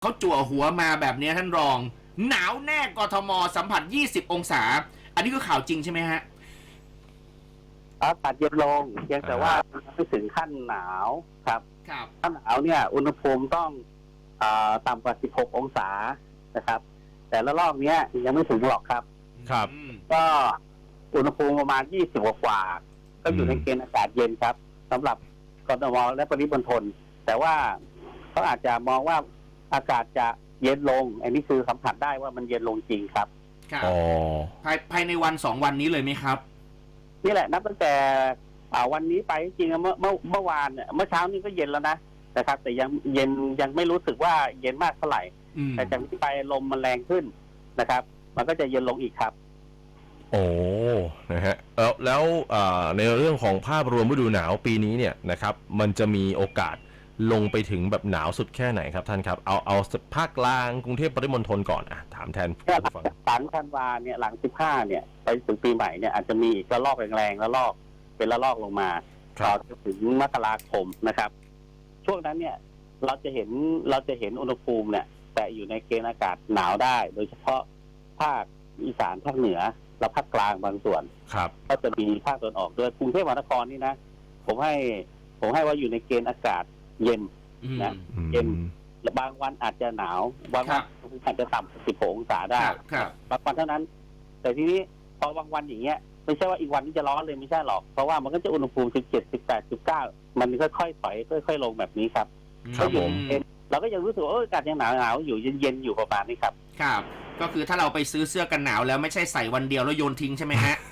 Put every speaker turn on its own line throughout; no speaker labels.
เขาจั่วหัวมาแบบนี้ท่านรองหนาวแน่กทมสัมผัส20องศาอันนี้ก็ข่าวจริงใช่ไหมฮะ
อากาศเย็นลงเพียงแต่ว่าไม่ถึงขั้นหนาวครับ
ครับ
ถ้าหนาวเนี่ยอุณหภูมิต้องต่ำกว่า16องศานะครับแต่ละรอบเนี้ยยังไม่ถึงหรอกครับ
ครับ
ก็อุณหภูมิประมาณ20กว่าก็อยู่ในเกณฑ์อากาศเย็นครับสำหรับกทมและปริมณฑลแต่ว่าเขาอาจจะมองว่าอากาศจะเย็นลงอันนี้คือสัมผัสได้ว่ามันเย็นลงจริงครับ
ครับภายในวัน2วันนี้เลยไหมครับ
นี่แหละนับตั้งแต่วันนี้ไปจริงๆเมื่อวานเนี่ยเมื่อเช้านี้ก็เย็นแล้วนะครับแต่ยังไม่รู้สึกว่าเย็นมากเท่าไหร่แต่จากนี้ไปลมมันแรงขึ้นนะครับมันก็จะเย็นลงอีกครับ
โอ้นะฮะแล้วในเรื่องของภาพรวมฤดูหนาวปีนี้เนี่ยนะครับมันจะมีโอกาสลงไปถึงแบบหนาวสุดแค่ไหนครับท่านครับเอาภาคกลางกรุงเทพปริมณฑลก่อนถามแทน
ผู้ฟังธันวาเนี่ยหลัง15เนี่ยไปถึงปีใหม่เนี่ยอาจจะมีอีกระลอกแรงๆระลอกเป็นระลอกลงมาต่อถึงมกราคมนะครับช่วงนั้นเนี่ยเราจะเห็นอุณหภูมิเนี่ยแต่อยู่ในเกณฑ์อากาศหนาวได้โดยเฉพาะภาคอีสานภาคเหนือและภาคกลางบางส่วนก็จะมีภาคตะวันออกด้วยกรุงเทพมหานครนี่นะผมให้ว่าอยู่ในเกณฑ์อากาศเย็นนะเย็นและบางวันอาจจะหนาวบางวันอาจจะต่ำ16องศาได้บางวันเท่านั้นแต่ทีนี้พอบางวันอย่างเงี้ยไม่ใช่ว่าอีกวันนี้จะร้อนเลยไม่ใช่หรอกเพราะว่ามันก็จะอุณหภูมิ17 18 19มันค่อยๆถอยค่อยๆลงแบบนี้ครับ
ครับผม
เราก็ยังรู้สึกว่าอากาศยังหนาวอยู่เย็นๆอยู่ประมาณนี้ครับ
ครับก็คือถ้าเราไปซื้อเสื้อกันหนาวแล้วไม่ใช่ใส่วันเดียวแล้วโยนทิ้งใช่ไหมฮะ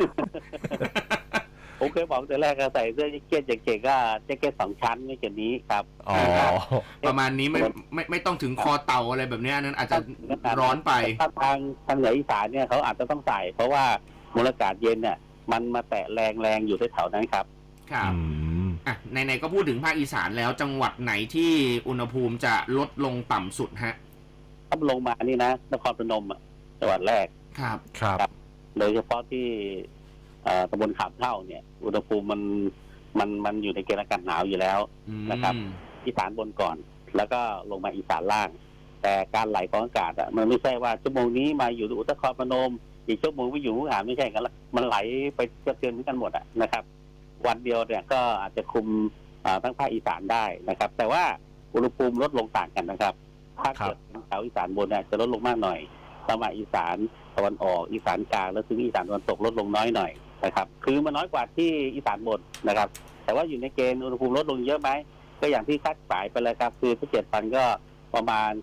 ผมเคยบอกแต่แรกก็ใส่เสื้อแจ็คเก็ตเก่งๆก็แจ็คเก็ต2ชั้นไม่เกินนี้ครับ
ประมาณนี้ไม่ต้องถึงคอเต่าอะไรแบบนี้นั้นอาจจะร้อนไป
ทางเหนืออีสานเนี่ยเขาอาจจะต้องใส่เพราะว่ามวลอากาศเย็นเนี่ยมันมาแตะแรงอยู่แถวๆนั้นครับ
ครับไหนๆก็พูดถึงภาคอีสานแล้วจังหวัดไหนที่อุณหภูมิจะลดลงต่ำสุดฮะ
ถ้าลงมานี่นะนครพนมจังหวัดแรก
ครับ
โดยเฉพาะที่ตำบลขามเท่าเนี่ยอุณหภูมิมันอยู่ในเกณฑ์อากาศหนาวอยู่แล้วนะครับอีสานบนก่อนแล้วก็ลงมาอีสานล่างแต่การไหลของอากาศมันไม่ใช่ว่าชั่วโมงนี้มาอยู่อุตรพนมอีกชั่วโมงไปอยู่มุกดาหารไม่ใช่กันมันไหลไปกระเทือนกันหมดนะครับวันเดียวเนี่ยก็อาจจะคุมทั้งภาคอีสานได้นะครับแต่ว่าอุณหภูมิลดลงต่างกันนะครับภาคเกิดแถวอีสานบนเนี่ยจะลดลงมากหน่อยต่อมาอีสานตะวันออกอีสานกลางแล้วถึงอีสานตะวันตกลดลงน้อยหน่อยนะครับคือมันน้อยกว่าที่อีสานบนนะครับแต่ว่าอยู่ในเกณฑ์อุณหภูมิลดลงเยอะไหมก็อย่างที่คาดหมายไปเลยครับคือที่7 วันก็ประมาณ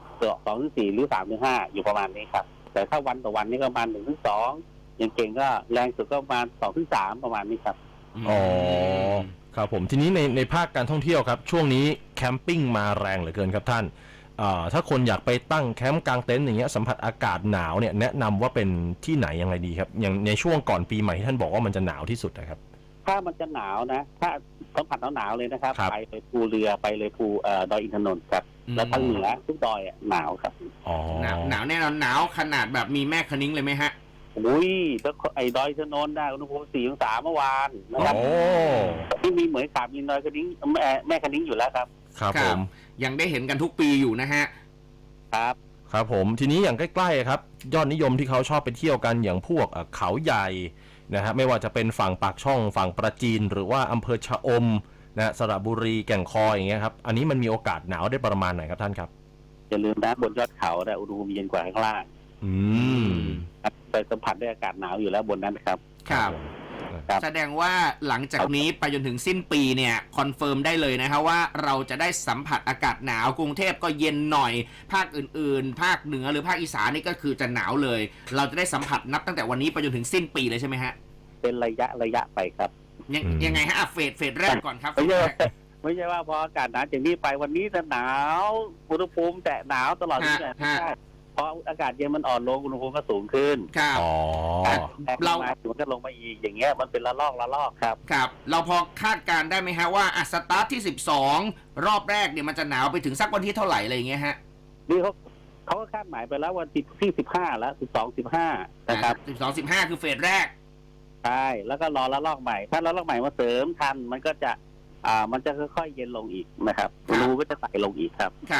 2-4หรือ3-5อยู่ประมาณนี้ครับแต่ถ้าวันต่อวันนี่ก็ประมาณ1-2อย่างเก่งก็แรงสุดก็ประมาณ2-3ประมาณนี้ครับ
อ๋อครับผมทีนี้ในภาคการท่องเที่ยวครับช่วงนี้แคมปิ้งมาแรงเหลือเกินครับท่านถ้าคนอยากไปตั้งแคมป์กลางเต็นท์อย่างเงี้ยสัมผัสอากาศหนาวเนี่ยแนะนำว่าเป็นที่ไหนยังไงดีครับอย่างในช่วงก่อนปีใหม่ที่ท่านบอกว่ามันจะหนาวที่สุดนะครับ
ถ้ามันจะหนาวนะถ้าสัมผัสหนาวเลยนะครับไปเลยภูเรือไปเลยภูดอยอินทนนท์ครับแล้วทางเหนือทุกดอยหนาวครับ
หนาวแน่นอนหนาวขนาดแบบมีแม่คะนิ้งเลยไหมฮะ
อุ้ยแล้วไอ้ดอยอินทนนท์ได้อุณหภูมิ4 องศาเมื่อวานนะครับที่มีเหมือนขาบมีดอยคะนิ้งแม่คะนิ้งอยู่แล้วครับ
ครับผม
ยังได้เห็นกันทุกปีอยู่นะฮะ
ครับผมทีนี้อย่างใกล้ๆครับยอดนิยมที่เขาชอบไปเที่ยวกันอย่างพวกเขาใหญ่นะฮะไม่ว่าจะเป็นฝั่งปากช่องฝั่งปราจีนหรือว่าอำเภอชะอมนะสระบุรีแก่งคอยอย่างเงี้ยครับอันนี้มันมีโอกาสหนาวได้ประมาณไหนครับท่านครับ
อย่าลืมนะบนยอดเขาแต่อุณหภูมิเย็นกว่าข้างล่างไปสัมผัสได้อากาศหนาวอยู่แล้วบนนั้นครับ
แสดงว่าหลังจากนี้ไปจนถึงสิ้นปีเนี่ยคอนเฟิร์มได้เลยนะครับว่าเราจะได้สัมผัสอากาศหนาวกรุงเทพก็เย็นหน่อยภาคอื่นๆภาคเหนือหรือภาคอีสานนี่ก็คือจะหนาวเลยเราจะได้สัมผัสนับตั้งแต่วันนี้ไปจนถึงสิ้นปีเลยใช่ไหมฮะ
เป็นระยะไปครับ
ยังไงฮะเฟสแรกก่อนครับ
ไม่ใช่ว่าพออากาศหนาวจากนี้ไปวันนี้จะหนาวอุณหภูมิแต่หนาวตลอดไม่ใช่พออากาศเย็นมันอ่อนลงอุณหภูมิก็สูงขึ้น
ครับ
เราถึงจะลงมาอีกอย่างเงี้ยมันเป็นละลอกครับ
ครับเราพอคาดการได้ไหมฮะว่าสตาร์ทที่12รอบแรกเนี่ยมันจะหนาวไปถึงสักวันที่เท่าไหร่อะไรอย่างเงี้ยฮะ
นี่เขาก็คาดหมายไปแล้ววันที่15แล้ว12-15นะครับ
12-15คือเฟสแรก
ใช่แล้วก็รอละลอกใหม่ถ้าละลอกใหม่มาเสริมทันมันก็จะค่อยๆเย็นลงอีกนะครับรูก็จะไต่ลงอีกครับ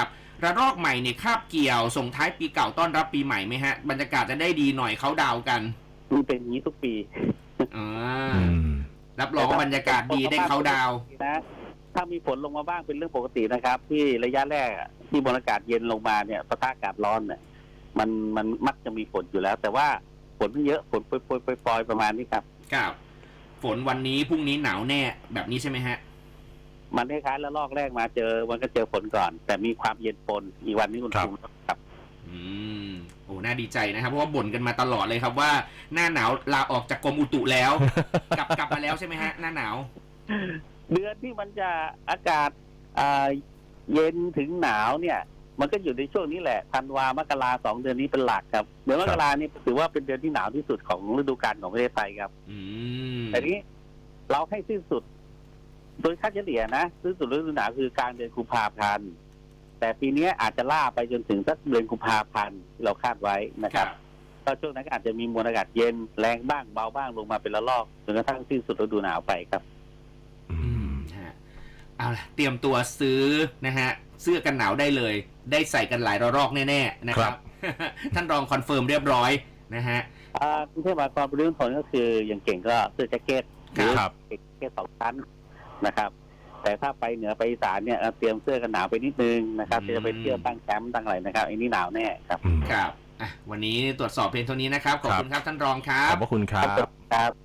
ระลอกใหม่เนี่ยคาบเกี่ยวส่งท้ายปีเก่าต้อนรับปีใหม่ไหมฮะบรรยากาศจะได้ดีหน่อยเขาดาวกัน
มันเป็นอย่างนี้ทุกปี
อ่ารับรองว่าบรรยากาศดีได้เขาดาว
นะถ้ามีฝนลงมาบ้างเป็นเรื่องปกตินะครับ ที่ระยะแรกที่มวลอากาศเย็นลงมาเนี่ยปะทะอากาศร้อนเนี่ยมันมักจะมีฝนอยู่แล้ว แต่ว่าฝนไม่เยอะฝนโปรยๆประมาณนี้ครับ
ครับฝนวันนี้พรุ่งนี้หนาวแน่แบบนี้ใช่ไหมฮะ
มันคล้ายๆแล้วลอกแรกมาเจอมันก็เจอฝนก่อน แต่มีความเย็นปนอีกวันนี้คุณภูมิครับ
โอ้น่าดีใจนะครับเพราะว่าบ่นกันมาตลอดเลยครับว่าหน้าหนาวลาออกจากกรมอุตุแล้ว กลับมาแล้วใช่ไหมฮะหน้าหนาว
เดือนที่มันจะอากาศเย็นถึงหนาวเนี่ยมันก็อยู่ในช่วงนี้แหละธันวามกรา2 เดือนนี้เป็นหลักครับเดือนมกรานี่ถือว่าเป็นเดือนที่หนาวที่สุดของฤดูกาลของประเทศไทยครับแต่นี้เราให้สิ้นสุดโดยค่าเฉลี่ยนะสิ้นสุดฤดูหนาวคือกลางเดือนกุมภาพันธ์แต่ปีนี้อาจจะล่าไปจนถึงสักเดือนกุมภาพันธ์ที่เราคาดไว้นะครับก็ช่วงนั้นอาจจะมีมวลอากาศเย็นแรงบ้างเบาบ้างลงมาเป็นละลอกจนกระทั่งสิ้นสุดฤดูหนาวไปครับ
เอาล่ะเตรียมตัวซื้อนะฮะเสื้อกันหนาวได้เลยได้ใส่กันหลายระลอกแน่ๆนะครับ ท่านรองคอนเฟิร์มเรียบร้อยนะฮะ
กรุงเทพมหานครปริมณฑลก็คืออย่างเก่งก็เสื้อแจ็คเก็ตหรือแจ็คเก็ต2 ชั้นนะครับแต่ถ้าไปเหนือไปอีสานเนี่ยเตรียมเสื้อกันหนาวไปนิดนึงนะครับจะไปเที่ยวตั้งแคมป์ตั้งอะไรนะครับอันนี้หนาวแน่ครับ
ครับวันนี้ตรวจสอบเพียงเท่านี้นะครับขอบคุณครับท่านรองครับ
ขอบพระคุณครับ